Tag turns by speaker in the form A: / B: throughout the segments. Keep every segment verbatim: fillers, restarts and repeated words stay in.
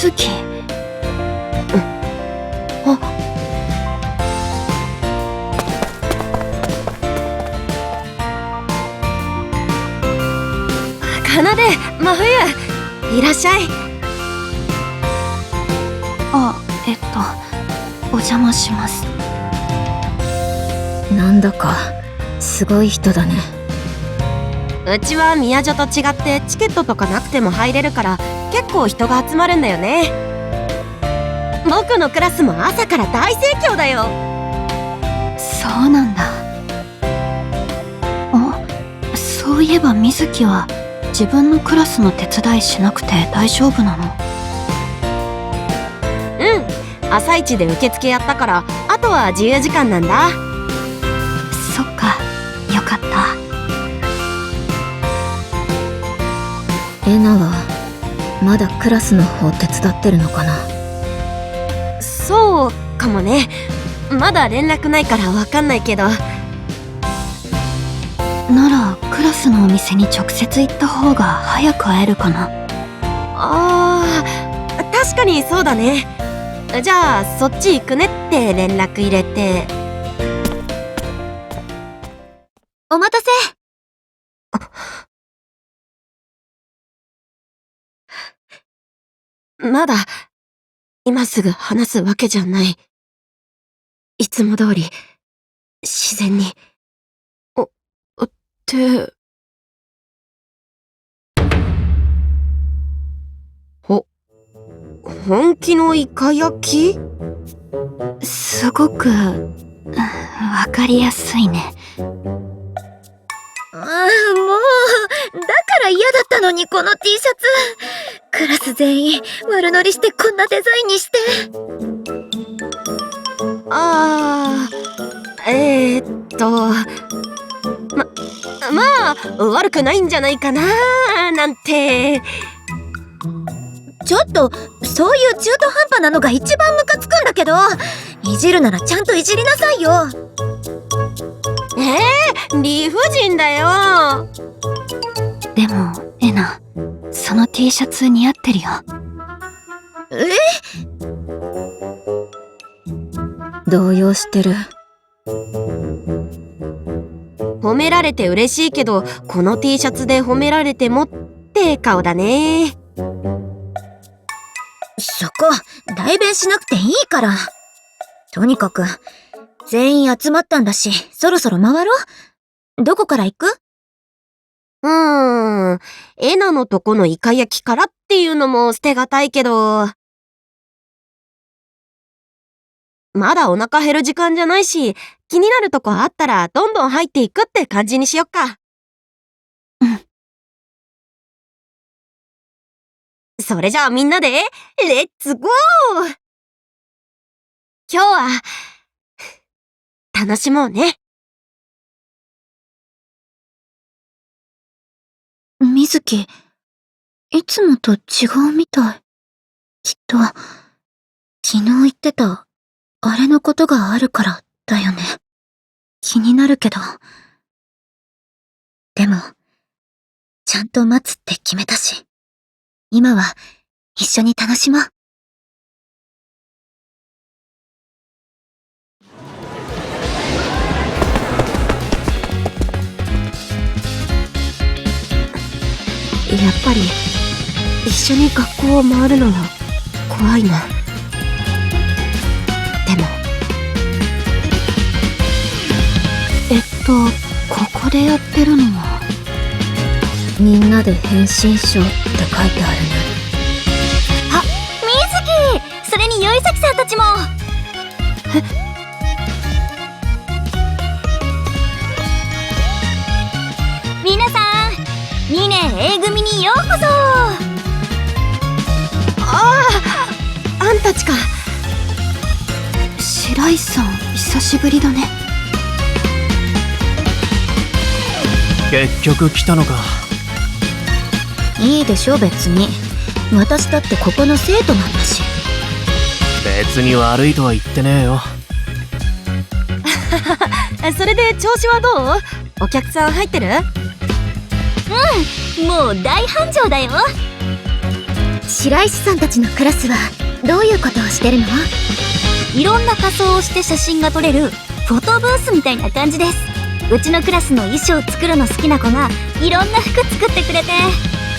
A: 水木。
B: うん。あ。奏、真冬、いらっしゃい。
A: あ、えっとお邪魔します。
C: なんだかすごい人だね。
B: うちは宮女と違ってチケットとかなくても入れるから結構人が集まるんだよね。僕のクラスも朝から大盛況だよ。
A: そうなんだ。あ、そういえば水木は自分のクラスの手伝いしなくて大丈夫なの？
B: うん、朝一で受付やったからあとは自由時間なんだ。
A: そっか、よかった。
C: エナはまだクラスの方手伝ってるのかな？
B: そうかもね。まだ連絡ないからわかんないけど。
A: ならクラスのお店に直接行った方が早く会えるかな。
B: あー、確かにそうだね。じゃあそっち行くねって連絡入れて。
C: お待たせ。
B: まだ今すぐ話すわけじゃない。いつも通り自然に。お、って。ほ、本気のイカ焼き？
A: すごくわかりやすいね。
C: ああ、もうだから嫌だったのに、この T シャツ。クラス全員悪乗りしてこんなデザインにして。
B: あー、えー、っとままあ悪くないんじゃないかななんて。
C: ちょっとそういう中途半端なのが一番ムカつくんだけど、いじるならちゃんといじりなさいよ。
B: えー、理不尽だよ。
A: でもエナ、その T シャツ似合ってるよ。
C: え？ 動揺してる。
B: 褒められて嬉しいけどこの T シャツで褒められてもって顔だね。
C: そこ代弁しなくていいから。とにかく全員集まったんだし、そろそろ回ろう。どこから行く？
B: うーん、エナのとこのイカ焼きからっていうのも捨てがたいけど、まだお腹減る時間じゃないし、気になるとこあったらどんどん入っていくって感じにしよっか。
A: うん。
B: それじゃあみんなでレッツゴー。今日は楽しもうね。
A: 水木、いつもと違うみたい。きっと昨日言ってたあれのことがあるからだよね。気になるけど。
C: でもちゃんと待つって決めたし、今は一緒に楽しもう。
B: やっぱり一緒に学校を回るのは怖いな。でも
A: えっとここでやってるのは
C: みんなで変身ショーって書いてあるね。
D: あ、水木、それによいさきさんたちも。
B: え？
D: 皆さん、にねん A 組にようこそ。
B: ああ、あんたちか。
A: 白石さん、久しぶりだね。
E: 結局来たのか。
C: いいでしょ別に。私だってここの生徒なんだし。
E: 別に悪いとは言ってねえよ。
B: それで調子はどう？お客さん入ってる？
D: うん、もう大繁盛だよ。
C: 白石さんたちのクラスはどういうことをしてるの？
D: いろんな仮装をして写真が撮れるフォトブースみたいな感じです。うちのクラスの衣装作るの好きな子がいろんな服作ってくれて。
A: へ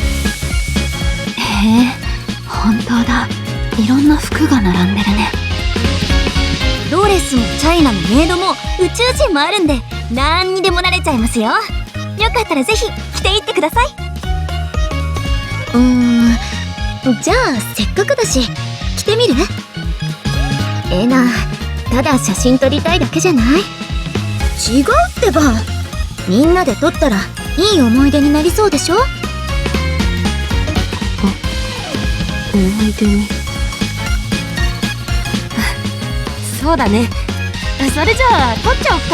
A: え、本当だ。いろんな服が並んでるね。
D: ドレスもチャイナのメイドも宇宙人もあるんで、なんにでもなれちゃいますよ。よかったらぜひ着ていってください。
C: うーん、じゃあせっかくだし着てみる？えな、ただ写真撮りたいだけじゃない？違うってば。みんなで撮ったらいい思い出になりそうでしょ？
B: 思い出に。そうだね。それじゃあ撮っちゃおっか。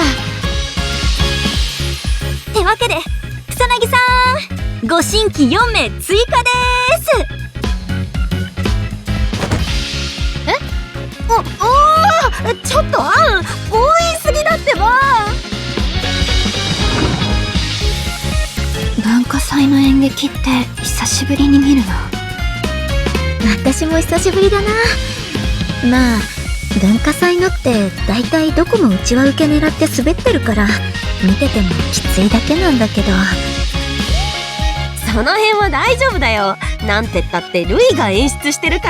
D: ってわけで草薙さん、ご新規よんめい追加でーす。
B: お、おー、ちょっとアン、強引すぎだってば。
A: 文化祭の演劇って久しぶりに見るな。
C: 私も久しぶりだな。まあ文化祭のってだいたいどこもうちは受け狙って滑ってるから見ててもきついだけなんだけど。
B: その辺は大丈夫だよ。なんてったってルイが演出してるから。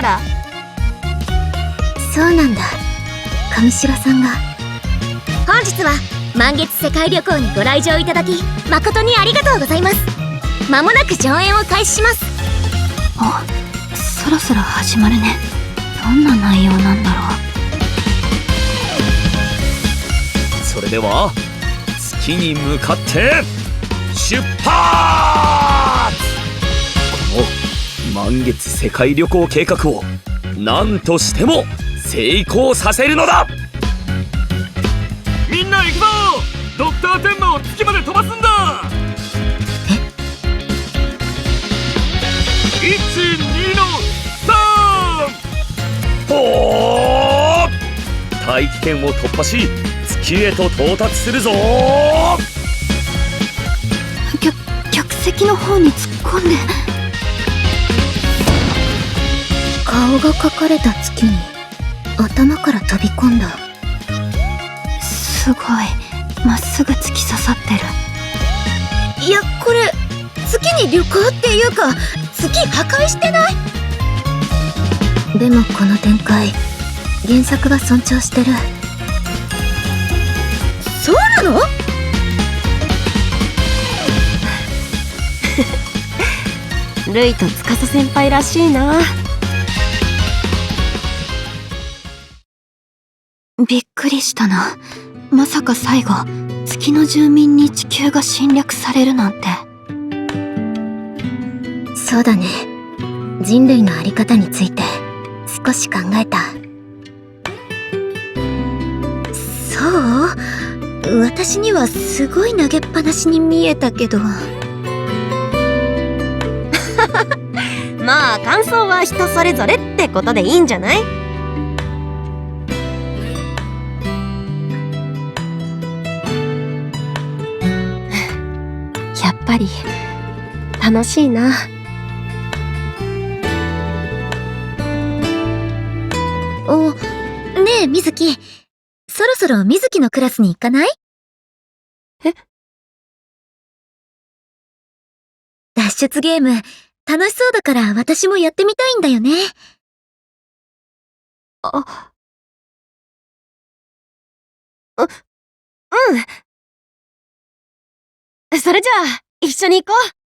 C: そうなんだ。上白さんが。
D: 本日は満月世界旅行にご来場いただき誠にありがとうございます。まもなく上演を開始します。
A: あ、そろそろ始まるね。どんな内容なんだろう。
F: それでは月に向かって出発！この満月世界旅行計画を何としても成功させるのだ。みんな行くぞ！ドクター天馬を月まで飛ばすんだ。え？いち、にのさん！ほー！大気圏を突破し月へと到達するぞ。
A: 客客席の方に突っ込んで。
C: 顔が描かれた月に頭から飛び込んだ。
A: すごいまっすぐ突き刺さってる。
C: いや、これ月に旅行っていうか月破壊してない？でもこの展開原作が尊重してる。そうなの？
B: ルイと司先輩らしいな。
A: びっくりしたな。まさか最後月の住民に地球が侵略されるなんて。
C: そうだね。人類のあり方について少し考えた。そう？私にはすごい投げっぱなしに見えたけど。
B: まあ感想は人それぞれってことでいいんじゃない？やっぱり楽しいな。
C: お、ねえみずき、そろそろみずきのクラスに行かない？
B: え？
C: 脱出ゲーム楽しそうだから私もやってみたいんだよね。
B: あ、う、うん。それじゃあ一緒に行こう。